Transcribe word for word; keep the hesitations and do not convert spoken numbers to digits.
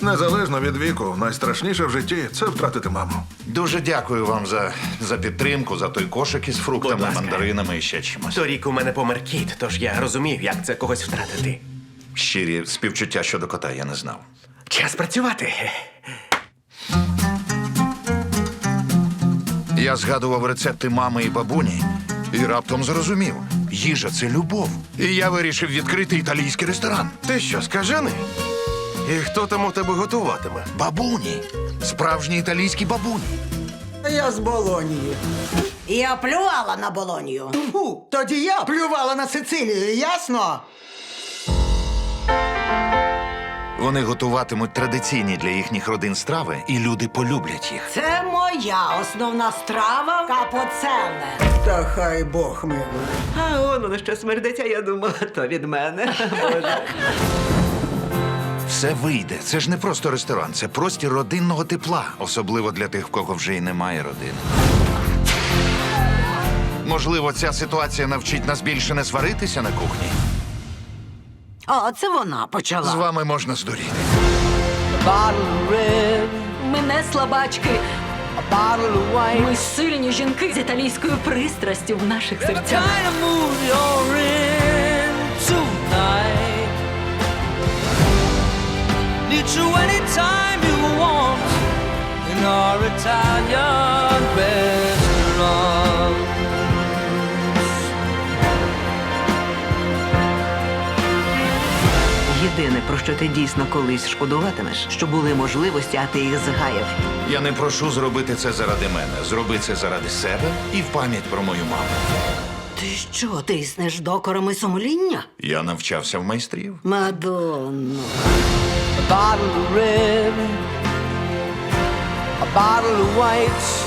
Незалежно від віку, найстрашніше в житті – це втратити маму. Дуже дякую вам за, за підтримку, за той кошик із Будь фруктами, ласка. мандаринами і ще чимось. Торік у мене помер кіт, тож я розумів, як це когось втратити. Щирі співчуття щодо кота я не знав. Час працювати. Я згадував рецепти мами і бабуні і раптом зрозумів. Їжа – це любов. І я вирішив відкрити італійський ресторан. Ти що, скажений? І хто там у тебе готуватиме? Бабуні. Справжні італійські бабуні. Я з Болонії. Я плювала на Болонію. Фу, тоді я плювала на Сицилію, ясно? Вони готуватимуть традиційні для їхніх родин страви, і люди полюблять їх. Це моя основна страва капоцеле. Та хай Бог милує. А он воно що смердить, а я думала, то від мене. Боже. Все вийде. Це ж не просто ресторан, це простір родинного тепла. Особливо для тих, в кого вже й немає родини. Можливо, ця ситуація навчить нас більше не сваритися на кухні. А, це вона почала. З вами можна здуріти. Ми не слабачки. Ми сильні жінки з італійською пристрастю в наших серцях. Єдине, про що ти дійсно колись шкодуватимеш, що були можливості, а ти їх згаяв. Я не прошу зробити це заради мене. Зроби це заради себе і в пам'ять про мою маму. Ти що, тиснеш докорами сумління? Я навчався в майстрів. Мадонно. A bottle of red, a bottle of white.